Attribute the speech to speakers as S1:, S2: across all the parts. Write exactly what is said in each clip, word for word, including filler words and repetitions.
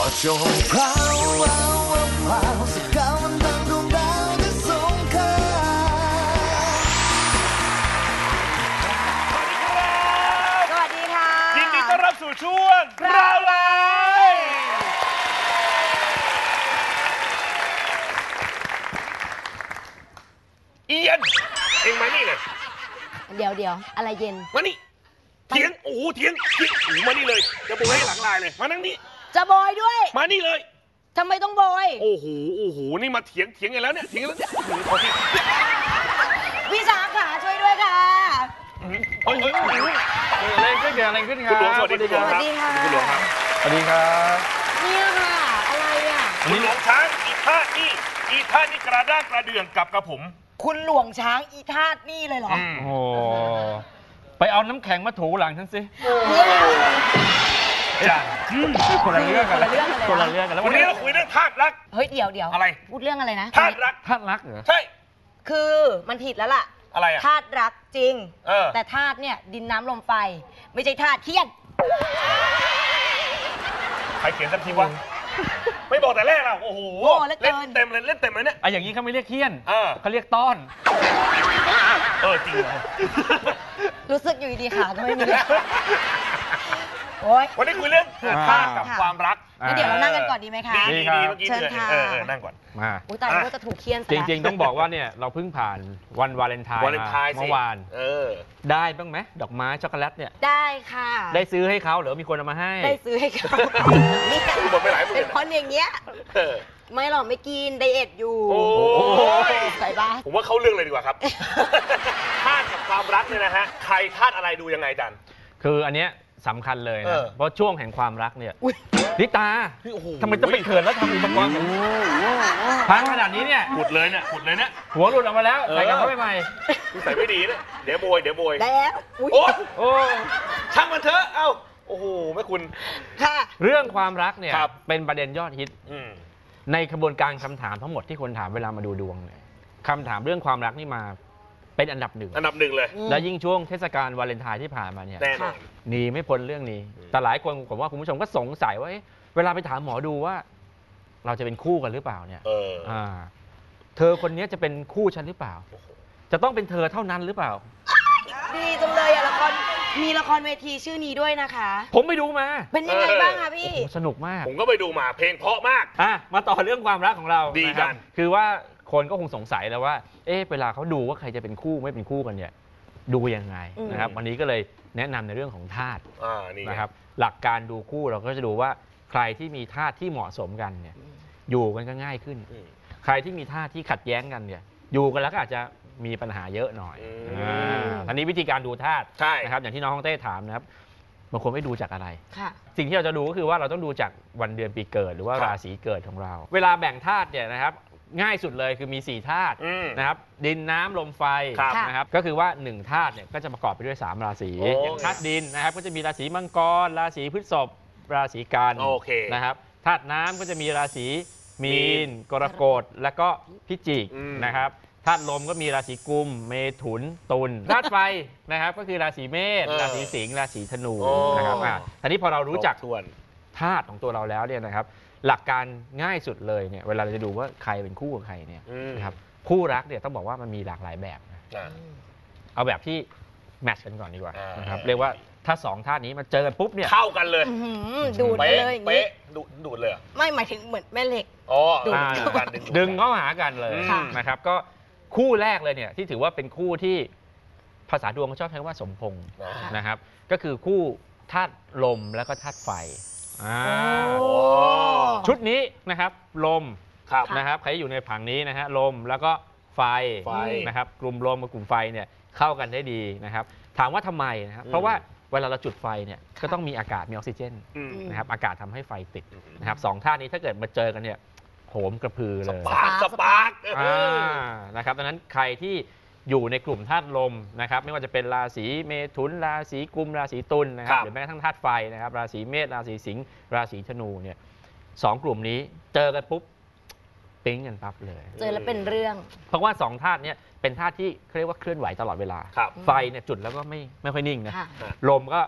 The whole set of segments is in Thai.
S1: จงพราวพราวพราวสักการวันดังดวงดาวที่สงขลา
S2: สวัสดีค่ะ
S3: ยินดีต้อนรับสู่ช่วงพราวไลฟ์เอียนเองมานี่เลย
S2: เดี๋ยวเดี๋ยวอะไรเย็น
S3: มานี่เถียงโอ้โหเถียงเถียงโอ้มานี่เลยจะโบยให้หลังลายเลยมานั่งนี่
S2: จะโบยด้วย
S3: มานี่เลย
S2: ทำไมต้องโบย
S3: โอ้โหโอ้โหนี่มาเถียงเถียงกันแล้วเนี่ยเถียงกันแล้วเนี่ยโอ้โห
S2: พี่สาขาช่วยด้วยค่ะ
S3: เฮ้ยเฮ้ยเฮ้ย
S4: อะไรขึ้นเกิดอะไรขึ้นครับ
S3: คุณหลวงสวัสดีคุณหลวงครับคุณหลวงครับ
S4: สวัสดีครับ
S2: เนี่ยค่ะอะไรอ่ะ
S3: คุณหลวงช้างอีท่านี่อีท่านี่กระด้างกระเดื่องกับกระผม
S2: คุณหลวงช้างอีธาตุนี่เลยเหรอ
S4: โอ้ไปเอาน้ำแข็งมาถูหลังฉันสิ
S3: จ้ะ
S4: คนละเรื่องกันคนละเรื่องกันแล้ว
S3: วันนี้เราคุยเรื่องธาตุรัก
S2: เฮ้ยเดี๋ยวเดี๋ยว
S3: อะไร
S2: พูดเรื่องอะไรนะ
S3: ธาตุรัก
S4: ธาตุรักเหรอ
S3: ใช่
S2: คือมันผิดแล้วล่ะ
S3: อะไรอะ
S2: ธาตุรักจริง
S3: เออ
S2: แต่ธาตุเนี่ยดินน้ำลมไฟไม่ใช่ธาตุเทียน
S3: ใครเขียนสักทีวะไม่บอกแต่แรกอ่ะโอ้โหเล่นเต็มเลยเล่นเต็มเลยเนี่ย
S4: ไอ้อย่างนี้เขาไม่เรียกเคียนเขาเรียกต้อน
S3: เออจริงเหรอ
S2: รู้สึกอยู่ดีขาก็ไม่มีโอ้ย
S3: วันนี้คุยเรื่องธาตุกับความรัก
S2: งั้นเดี๋ยวเรานั่งกันก่อนดีไหมคะ
S3: ดีดีเมื่อกี้เชิญค่ะเออนั่งก่อน
S4: มา
S2: อุ้ยตายแล้วจะถูกเคียน
S4: จริงๆต้องบอกว่าเนี่ยเราเพิ่งผ่านวันวาเลนไทน์เมื่อวาน
S3: เออ
S4: ได้บ้างไหมดอกไม้ช็อกโกแลตเนี่ย
S2: ได้ค่ะ
S4: ได้ซื้อให้เขาหรือมีคนเอามาให้
S2: ได้ซื้อให้เขา
S3: นี่หมดไปหลายหมื่น
S2: เป็นคนอย่างเงี้ยไม่หรอกไม่กินไดเอทอยู่
S3: โอ้ย
S2: ใส่บ้า
S3: ผมว่าเข้าเรื่องเลยดีกว่าครับธาตุกับความรักเนี่ยนะฮะใครธาตุอะไรดูยังไงจัน
S4: คืออันเนี้ยสำคัญเลยนะเพราะช่วงแห่งความรักเนี่ยลิตาทำไมต้องไปเขินแล้วทำอุปกรณ์พังขนาดนี้เนี่ย
S3: ขุดเลยเนี่ยขุดเลยเนี่ย
S4: หัวหลุดออกมาแล้วใส่กลับเข้าไปใหม่
S3: ใส่ไม่ดีนะเดี๋ยวโบยเดี๋ยวโบย
S2: แล้ว
S3: โอ้โอ้ช่างมันเถอะเอ้าโอ้โหแม่คุณ
S2: ค่ะ
S4: เรื่องความรักเนี่ยเป็นประเด็นยอดฮิตในกระบวนการคำถามทั้งหมดที่คนถามเวลามาดูดวงเนี่ยคำถามเรื่องความรักนี่มาเป็นอันดับหนึ่ง
S3: อันดับหนึ่งเลย
S4: และยิ่งช่วงเทศกาลวาเลนไทน์ที่ผ่านมาเนี่ย
S3: แน่นอน
S4: หนีไม่พ้นเรื่องนี้แต่หลายคนผมว่าคุณผู้ชมก็สงสัยว่าเวลาไปถามหมอดูว่าเราจะเป็นคู่กันหรือเปล่าเนี่ย
S3: เออ
S4: อ่า เธอคนนี้จะเป็นคู่ฉันหรือเปล่าจะต้องเป็นเธอเท่านั้นหรือเปล่า
S2: ดีจังเลยอะละครมีละครเวทีชื่อนี้ด้วยนะคะ
S4: ผมไปดูมา
S2: เป็นยังไงบ้างคะพี่
S4: สนุกมาก
S3: ผมก็ไปดูมาเพลงเพราะมาก
S4: อ่ะมาต่อเรื่องความรักของเรา
S3: ดีกัน
S4: คือว่าคนก็คงสงสัยแล้วว่าเอ๊ะเวลาเขาดูว่าใครจะเป็นคู่ไม่เป็นคู่กันเนี่ยดูยังไงนะครับวันนี้ก็เลยแนะนำในเรื่องของธาตุนะครับหลักการดูคู่เราก็จะดูว่าใครที่มีธาตุที่เหมาะสมกันเนี่ยอยู่กันก็ง่ายขึ้นใครที่มีธาตุที่ขัดแย้งกันเนี่ยอยู่กันแล้วก็อาจจะมีปัญหาเยอะหน่อยอันนี้วิธีการดูธาตุนะครับอย่างที่น้องฮ่องเต้ถามนะครับบางคนไม่ดูจากอะไรสิ่งที่เราจะดูก็คือว่าเราต้องดูจากวันเดือนปีเกิดหรือว่าราศีเกิดของเราเวลาแบ่งธาตุเนี่ยนะครับง่ายสุดเลยคือมีสี่ธาตุนะครับดินน้ำลมไฟนะครับก็คือว่าหนึ่งธาตุเนี่ยก็จะประกอบไปด้วยสามราศีอย่างธาตุดินนะครับก็จะมีราศีมังกรราศีพฤษภราศีกันนะครับธาตุน้ำก็จะมีราศีมีนกรกฎและก็พิจิกนะครับธาตุลมก็มีราศีกุมเมถุนตุลธาตุไฟนะครับก็คือราศีเมษราศีสิงห์ราศีธนูนะครับอ่ะทีนี้พอเรารู้จักธาตุของตัวเราแล้วเนี่ยนะครับหลักการง่ายสุดเลยเนี่ยเวลาเราจะดูว่าใครเป็นคู่กับใครเนี่ยนะครับคู่รักเนี่ยต้องบอกว่ามันมีหลากหลายแบบนะเอาแบบที่แมทช์กันก่อนดีกว่านะครับเรียกว่าถ้าสองธาตุนี้มาเจอกันปุ๊บเนี่ย
S3: เข้ากันเลย
S2: ดูดเลย
S3: เป๊ะดูดเลย
S2: ไม่หมายถึงเหมือนแม่เหล็ก
S3: อ๋อ
S4: ดึงเข้าหากันเลยนะครับก็คู่แรกเลยเนี่ยที่ถือว่าเป็นคู่ที่ภาษาดวงเขาชอบใช้ว่าสมพงษ์นะครับก็คือคู่ธาตุลมแล้วก็ธาตุไฟชุดนี้นะครับลมนะครับใครอยู่ในผังนี้นะฮะลมแล้วก็ไฟนะครับกลุ่มลมกับกลุ่มไฟเนี่ยเข้ากันได้ดีนะครับถามว่าทำไมนะครับเพราะว่าเวลาเราจุดไฟเนี่ยก็ต้องมีอากาศมีออกซิเจนนะครับอากาศทำให้ไฟติดนะครับสองธาตุนี้ถ้าเกิดมาเจอกันเนี่ยโหมกระพือเลย
S3: สปาร์กสปาร์ก
S4: นะครับดังนั้นใครที่อยู่ในกลุ่มธาตุลมนะครับไม่ว่าจะเป็นราศีเมถุนราศีกุมราศีตุลนะครับหรือแม้กระทั่งธาตุไฟนะครับราศีเมษราศีสิงห์ราศีธนูเนี่ยสองกลุ่มนี้เจอกันปุ๊บปิ๊งกันปั๊บเลย
S2: เจอแล้วเป็นเรื่อง
S4: เพราะว่าสองธาตุเนี่ยเป็นธาตุที่เรียกว่าเคลื่อนไหวตลอดเวลาไฟเนี่ยจุดแล้วก็ไม่ไม่ค่อยนิ่งนะลมก็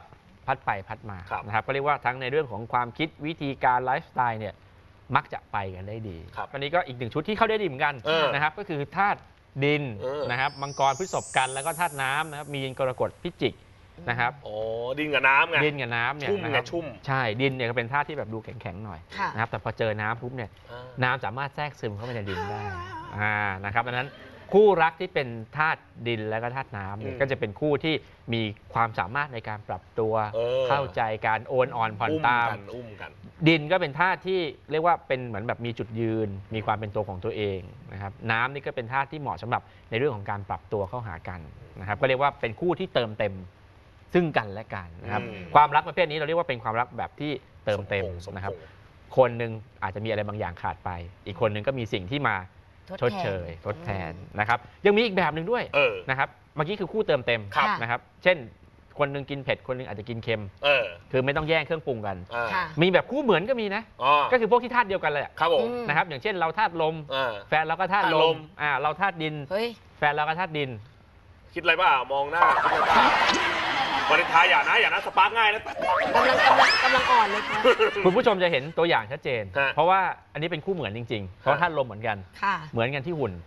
S4: พัดไปพัดมา
S3: ครับ
S4: นะครับก็เรียกว่าทั้งในเรื่องของความคิดวิธีการไลฟ์สไตล์เนี่ยมักจะไปกันได้ดี
S3: ครับ
S4: อันนี้ก็อีกหนึ่งชุดที่เข้าได้ดีเหมือนกัน
S3: เออ
S4: นะครับก็คือธาตุดิน
S3: เออ
S4: นะครับมังกรพฤษภกันแล้วก็ธาตุน้ำนะครับมีนกรกฎพิจิกนะครับ
S3: โอ้ดินกับน้ำไง
S4: ดินกับน้ำเนี่ย
S3: ชุ่มไง
S4: นะครับ
S3: ชุ่ม
S4: ใช่ดินเนี่ยก็เป็นธาตุที่แบบดูแข็งๆหน่อย
S2: ค่ะ
S4: นะครับแต่พอเจอน้ำปุ๊บเนี่ย
S3: อ่า
S4: น้ำสามารถแทรกซึมเข้าไปในดินได้อ่านะครับดังนั้นคู่รักที่เป็นธาตุดินและก็ธาตุน้ำเนี่ย
S3: อืม
S4: ก็จะเป็นคู่ที่มีความสามารถในการปรับตัว
S3: เออ
S4: เข้าใจการโอนอ่อนผ่อน
S3: อุ้ม
S4: ตาม
S3: กันอุ้มกัน
S4: ดินก็เป็นธาตุที่เรียกว่าเป็นเหมือนแบบมีจุดยืน มีความเป็นตัวของตัวเองนะครับน้ำนี่ก็เป็นธาตุที่เหมาะสำหรับในเรื่องของการปรับตัวเข้าหากันนะครับก็เรียกว่าเป็นคู่ที่เติมเต็มซึ่งกันและกันนะครับ
S3: อืม
S4: ความรักประเภทนี้เราเรียกว่าเป็นความรักแบบที่เติมเต็ม
S3: สพงษ์สพงษ์
S4: นะครับคนหนึ่งอาจจะมีอะไรบางอย่างขาดไป อีกคนหนึ่งก็มีสิ่งที่มาชดเชยทดแทนนะครับยังมีอีกแบบหนึ่งด้วย
S3: เออ
S4: นะครับเมื่อกี้คือคู่เติมเต็ม
S3: ครับ
S4: นะครับเช่นคนหนึงกินเผ็ดคนหนึงอาจจะกินเค็ม
S3: เออ
S4: คือไม่ต้องแย่งเครื่องปรุงกัน
S3: อ่า
S2: ค่ะ
S4: มีแบบคู่เหมือนก็มีนะ
S3: อ๋อ
S4: ก็คือพวกที่ธาตุเดียวกันเลยอะ
S3: ครับผม
S2: อืม
S4: นะครับอย่างเช่นเราธาตุลม
S3: อ่า
S4: แฟนเราก็ธาตุล
S3: ธาตุล
S4: ม
S3: ม
S4: อ่าเราธาตุดิน
S2: เฮ้ย
S4: แฟนเราก็ธาตุดิน
S3: คิดอะไรเปล่ามองหน้าคิดอะไรเปล่าวันท้ายอย่านะอย่านะสปาร์กง่ายนะ
S2: กำลังกำลังกำลังอ่อนเลยค่ะ
S4: คุณผู้ชมจะเห็นตัวอย่างชัดเจน
S3: ฮะ
S4: เพราะว่าอันนี้เป็นคู่เหมือนจริงๆ เพราะธาตุลมเหมือนกัน
S2: ค่ะ
S4: เหมือนกันที่หุ่น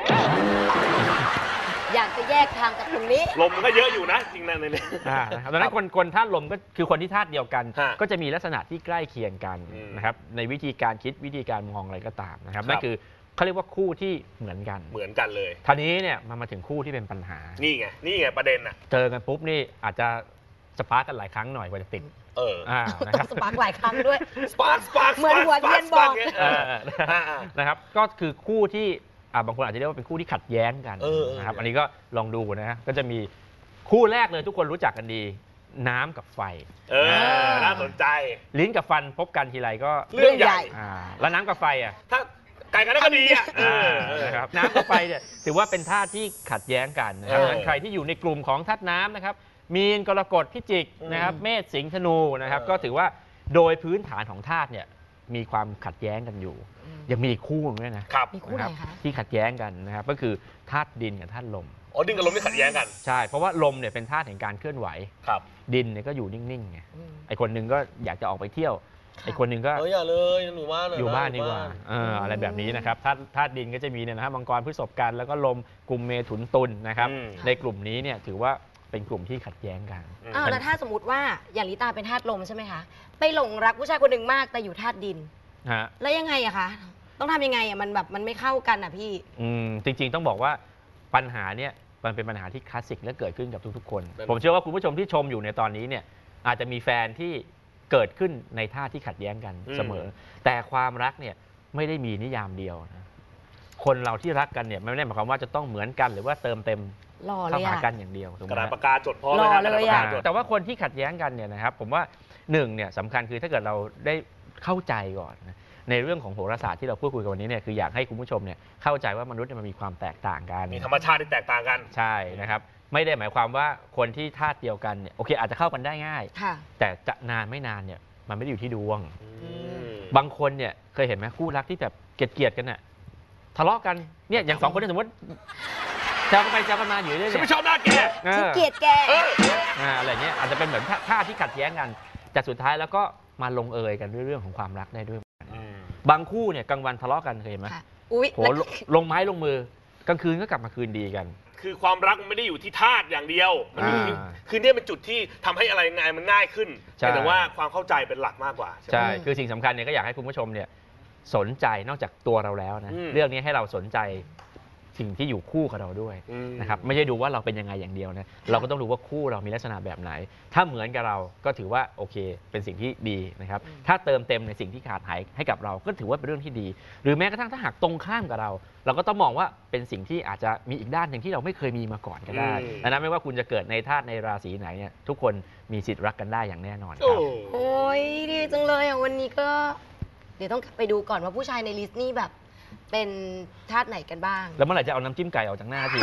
S2: อยากจะแยกทางกับตรงนี้
S3: ลมมันก็เยอะอยู่นะจริงนะในนี้
S4: อ่านะครับดังนั้นคนคนธาตุลมก็คือคนที่ธาตุเดียวกัน
S3: ฮะ
S4: ก็จะมีลักษณะที่ใกล้เคียงกัน
S3: อืม
S4: นะครับในวิธีการคิดวิธีการมองอะไรก็ตามนะครับ
S3: ครับ
S4: นั่นคือเขาเรียกว่าคู่ที่เหมือนกัน
S3: เหมือนกันเลย
S4: ทีนี้เนี่ยมันมาถึงคู่ที่เป็นปัญหา
S3: นี่ไงนี่ไงประเด็นอ่ะ
S4: เจอกันปุ๊บนี่อาจจะสปาร์กกันหลายครั้งหน่อยกว่าจะติด
S3: เออ
S4: อ่านะ
S2: ต้
S4: ค
S2: อ
S4: รับ
S2: งสปาร์กหลายครั้งด้วย
S3: สปาร์กสปาร์ก
S2: เหมือนหัวเทียนบอก
S3: เอ
S4: เอ
S3: อ
S4: อ
S3: อ่าอ่า
S4: นะครับก็คือคู่ที่อ่าบางคนอาจจะเรียกว่าเป็นคู่ที่ขัดแย้งกัน
S3: เออเออ
S4: นะครับอันนี้ก็ลองดูนะฮะก็จะมีคู่แรกเลยทุกคนรู้จักกันดี น้ำกับไฟ
S3: เออ น่าสนใจ
S4: ลิ้นกับฟันพบกันทีไรก็
S3: เรื่องใหญ่
S4: อ่าแล้วน้ำกับไฟอ่ะ
S3: ถ้าไก่กันได้ก็ดีอ่ะเออเออ
S4: นะครับน้ำกับไฟเนี่ยถือว่าเป็นธาตุที่ขัดแย้งกันนะครับ
S3: เออ
S4: ดังนั้นใครที่อยู่ในกลุ่มของธาตุน้ำนะครับมีนกรกฎพิจิกนะครับ
S3: อืม
S4: เมษสิงห์ธนูนะครับ
S3: เออ
S4: ก็ถือว่าโดยพื้นฐานของธาตุเนี่ยมีความขัดแย้งกันอยู่ ยังมีอีกคู่หนึงด้วยนะครับ
S2: มีคู่ไหน
S4: รับ
S2: คะ
S4: ที่ขัดแย้งกันนะครับก็คือธาตุดินกับธาตุลม
S3: อ๋อดินกับลมไม่ขัดแย้งกัน
S4: ใช่เพราะว่าลมเนี่ยเป็นธาตุแห่งการเคลื่อนไหว
S3: ครับ
S4: ดินเนี่ยก็อยู่นิ่งๆไง
S2: อืม
S4: ไอคนหนึงก็อยากจะออกไปเที่ยว
S2: ค่ะ
S4: ไอคนหนึงก็
S3: เอออย่าเลยหนูว่าเล
S4: อยู่บ้านดีกว่าเออ
S2: ม
S4: อะไรแบบนี้นะครับธาตุธาตุดินก็จะมีเนี่ยนะฮะมังกรพฤษภกันแล้วก็ลมกลุ่มเมถุนตุลนะครับ
S3: อืม
S4: ในกลุ่มนี้เนี่ยถือว่าเป็นกลุ่มที่ขัดแย้งกัน
S3: อืม
S2: อ้าวแล้วถ้าสมมติว่าอย่างลิตาเป็นธาตุลมใช่ไหมคะ ไปหลงรักผู้ชายคนหนึ่งมากแต่อยู่ธาตุดิน
S4: ฮะ
S2: แล้วยังไงอะคะ ต้องทำยังไงอะมันแบบมันไม่เข้ากันอะพี่
S4: อืมจริงๆต้องบอกว่าปัญหาเนี่ยมันเป็นปัญหาที่คลาสสิกและเกิดขึ้นกับทุกๆ คน
S3: นั่น
S4: ผมเชื่อว่าคุณผู้ชมที่ชมอยู่ในตอนนี้เนี่ยอาจจะมีแฟนที่เกิดขึ้นในท่าที่ขัดแย้งกันเสมอ แต่ความรักเนี่ยไม่ได้มีนิยามเดียวนะคนเราที่รักกันเนี่ยไม่ได้หมายความว่าจะต้องเหมือนกันหรือว่าเติมเต็ม
S2: หล่อเล
S4: เข้าย หา
S2: อะ
S4: กันอย่างเดียวถูกไห
S3: ก
S4: ม
S3: ระดาษ
S4: ฮะ
S3: ปากกาจดพร้อม
S2: รอ
S3: นะ
S2: เลย
S3: กระดาษปาก
S2: อะ
S3: กาจด
S4: แต่ว่าคนที่ขัดแย้งกันเนี่ยนะครับผมว่าหนึ่งเนี่ยสำคัญคือถ้าเกิดเราได้เข้าใจก่อนนะในเรื่องของโหราศาสตร์ที่เราพูดคุยกันวันนี้เนี่ยคืออยากให้คุณผู้ชมเนี่ยเข้าใจว่ามนุษย์เนี่ยมันมีความแตกต่างกัน
S3: มีธรรมชาติที่แตกต่างกัน
S4: ใช่นะครับไม่ได้หมายความว่าคนที่ธาตุเดียวกันเนี่ยโอเคอาจจะเข้ากันได้ง่าย
S2: ค่ะ
S4: แต่จะนานไม่นานเนี่ยมันไม่ได้อยู่ที่ดวง
S3: อืม
S4: บางคนเนี่ยเคยเห็นไหมคู่รักที่แบบเกลียดๆกันน่ะทะเลาะกันเนี่ยอย่างสองคนเนี่ยสมมติแซวกันไปแซวกันมาอยู่เรื่อยๆ
S3: ฉัน
S4: เนี่
S3: ไม่
S4: ย
S3: ชอบหน้าแก
S4: เอ
S2: ฉัน
S4: อ
S2: เกลียดแก
S3: เออ
S4: อ่าอะไรเงี้ยอาจจะเป็นเหมือนท่าท่าที่ขัดแย้งกันแต่สุดท้ายแล้วก็มาลงเอยกันด้วยเรื่องของความรักได้ด้วย บางคู่เนี่ยกลางวันทะเลาะกันเคยเห็นไหม
S2: ค่ะ อุ๊ย
S4: โหลลงไม้ลงมือกลางคืนก็กลับมาคืนดีกัน
S3: คือความรักมันไม่ได้อยู่ที่ธาตุอย่างเดียว มันอยู่ที่
S4: อ่า
S3: คือเนี่ยเป็นจุดที่ทำให้อะไรงานมันง่ายขึ้น
S4: ใช่
S3: แต่ว่าความเข้าใจเป็นหลักมากกว่าใช่ไหม
S4: ใช่คือสิ่งสำคัญเนี่ยก็อยากให้คุณผู้ชมเนี่ยสนใจนอกจากตัวเราแล้วนะ
S3: อืม
S4: เรื่องนี้ให้เราสนใจสิ่งที่อยู่คู่กับเราด้วย
S3: อืม
S4: นะครับไม่ใช่ดูว่าเราเป็นยังไงอย่างเดียวนะเราก็ต้องดูว่าคู่เรามีลักษณะแบบไหน ถ้าเหมือนกับเราก็ถือว่าโอเคเป็นสิ่งที่ดีนะครับถ้าเติมเต็มในสิ่งที่ขาดหายให้กับเราก็ถือว่าเป็นเรื่องที่ดี หรือแม้กระทั่งถ้าหากตรงข้ามกับเรา เราก็ต้องมองว่าเป็นสิ่งที่อาจจะมีอีกด้านหนึ่งที่เราไม่เคยมีมาก่อนก็ได้
S3: อืม
S4: ดังนั้นไม่ว่าคุณจะเกิดในธาตุในราศีไหนเนี่ยทุกคนมีสิทธิ์รักกันได้อย่างแน่นอนค
S3: โอ้
S4: รับ
S2: โอ้ยดีจังเลยอ่ะวันนี้ก็ เดี๋ยวต้องไปดูก่อนว่าผู้ชายในลิสต์นี่แบบ เป็นธาตุไหนกันบ้าง
S4: แล้วเมื่อไหร่จะเอาน้ำจิ้มไก่ออกจากหน้าที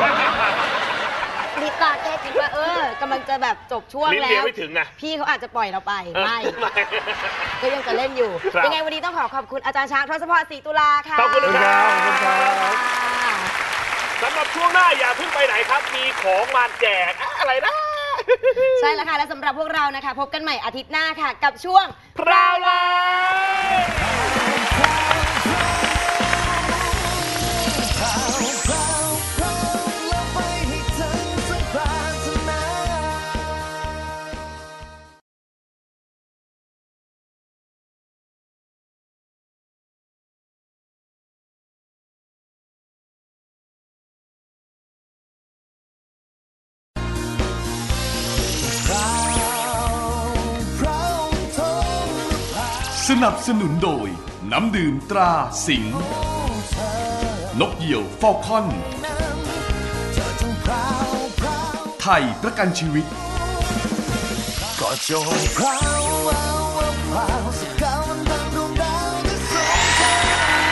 S2: ลิตาแค่คิดว่าเออกำลังจะแบบจบช่วง
S3: ลิ้น
S2: แล้
S3: เลียว
S2: ว
S3: ไม่ถึงไง
S2: พี่เขาอาจจะปล่อยเราไป ไม่
S3: ไม่
S2: ก็ยังจะเล่นอยู่
S3: ครับ
S2: ยังไงวันนี้ต้องขอขอบคุณอาจารย์ช้างทศพรศรีตุลาค่ะ
S3: ขอบคุณครับ
S4: ขอบคุณครับ
S3: สำหรับช่วงหน้าอย่าเพิ่งไปไหนครับ มีของมาแจกอะอะไรนะ
S2: ใช่แล้วค่ะ และสำหรับพวกเรานะคะ พบกันใหม่อาทิตย์หน้าค่ะ กับช่วง
S3: พราวไล
S5: สนับสนุนโดยน้ำดื่มตราสิงห์นกเหยี่ยวฟอลคอนไทยประกันชีวิต
S1: ก็จงพราวพราวพราวสักก้าวมันดังดวงดาวที่สูงเธอ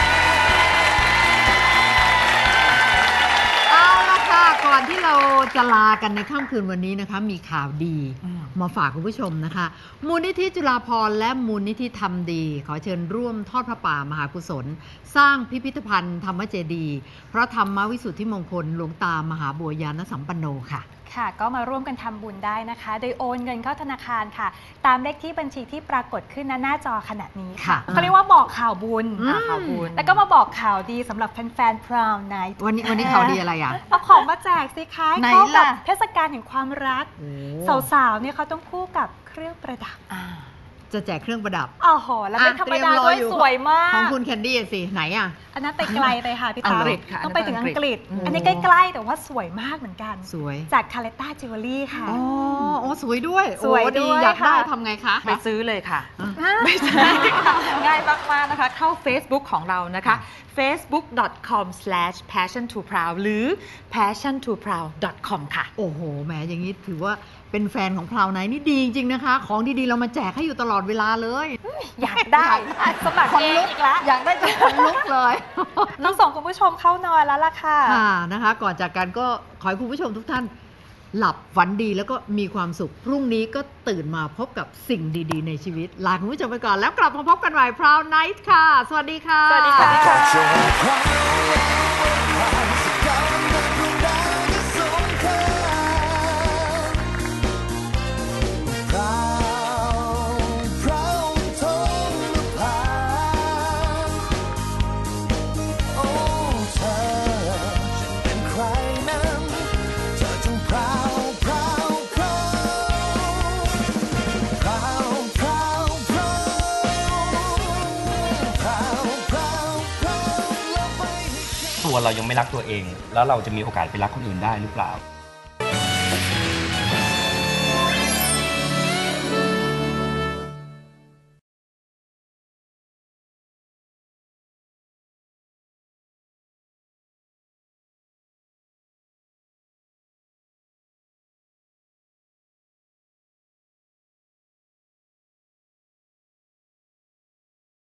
S6: เอาละค่ะก่อนที่เราจะลากันในค่ำคืนวันนี้นะคะมีข่าวดีมาฝากคุณผู้ชมนะคะมูลนิธิจุฬาภรณ์และมูลนิธิธรรมดีขอเชิญร่วมทอดพระป่ามหากุศลสร้างพิพิธภัณฑ์ธรรมเจดีย์พระธรรมวิสุทธิมงคลหลวงตามหาบัวยานสัมปันโนค่ะ
S7: ค่ะก็มาร่วมกันทำบุญได้นะคะโดยโอนเงินเข้าธนาคารค่ะตามเลขที่บัญชีที่ปรากฏขึ้นหน้าจอขณะนี้ค่ะเขาเรียกว่าบอกข่าวบุญข่าวบุญแล้วก็มาบอกข่าวดีสำหรับแฟนๆ Proud Night
S6: วันนี้วันนี้ข่าวดีอะไรอ่ะ
S7: เอาของมาแจกสิคะเข้ากับเทศกาลแห่งความรักสาวๆเนี่ยเขาต้องคู่กับเครื่องประดับ
S6: จะแจกเครื่องประดับ
S7: อ๋อโหแล้วไม่ธรรมดาด้วยสวยมาก
S6: ของคุณแคนดี้สิไหนอ่ะ
S7: อันนั้นไปไกลไปค่ะพี่ตาต้องไปถึงอังกฤษอันนี้ใกล้ๆแต่ว่าสวยมากเหมือนกัน
S6: สวย
S7: จากคาเลต้าจิวเวลรี่ค่ะ
S6: อ๋อโอ้สวยด้วย
S7: สวยดี
S6: อยากได้ทำไงคะ
S8: ไปซื้อเลยค่ะไม่ใช่ค่ะง่ายมากๆนะคะเข้า Facebook ของเรานะคะ เฟซบุ๊ก ดอท คอม สแลช แพชชั่น ทู พราว หรือ แพชชั่น ทู พราว ดอท คอม ค่ะ
S6: โอ้โหแหมอย่างนี้ถือว่าเป็นแฟนของพราวไนท์นี่ดีจริงๆนะคะของดีๆเรามาแจกให้อยู่ตลอดเวลาเลย
S7: อยากได้สมัครเองอีกแล้ว
S6: อยากได้จนคนลุกเลย
S7: ต้องส่งคุณผู้ชมเข้านอนแล้วล่ะค่ะ
S6: ค่ะนะคะก่อนจากกันก็ขอให้คุณผู้ชมทุกท่านหลับฝันดีแล้วก็มีความสุขพรุ่งนี้ก็ตื่นมาพบกับสิ่งดีๆในชีวิตลาคุณผู้ชมไปก่อนแล้วกลับมาพบกันใหม่พราวไนท์ค่ะสวัสดีค่ะ
S7: สวัสดีค่ะ
S9: ตัวเรายังไม่รักตัวเองแล้วเราจะมีโอกาสไปรักคนอื่นได้หรือเปล่า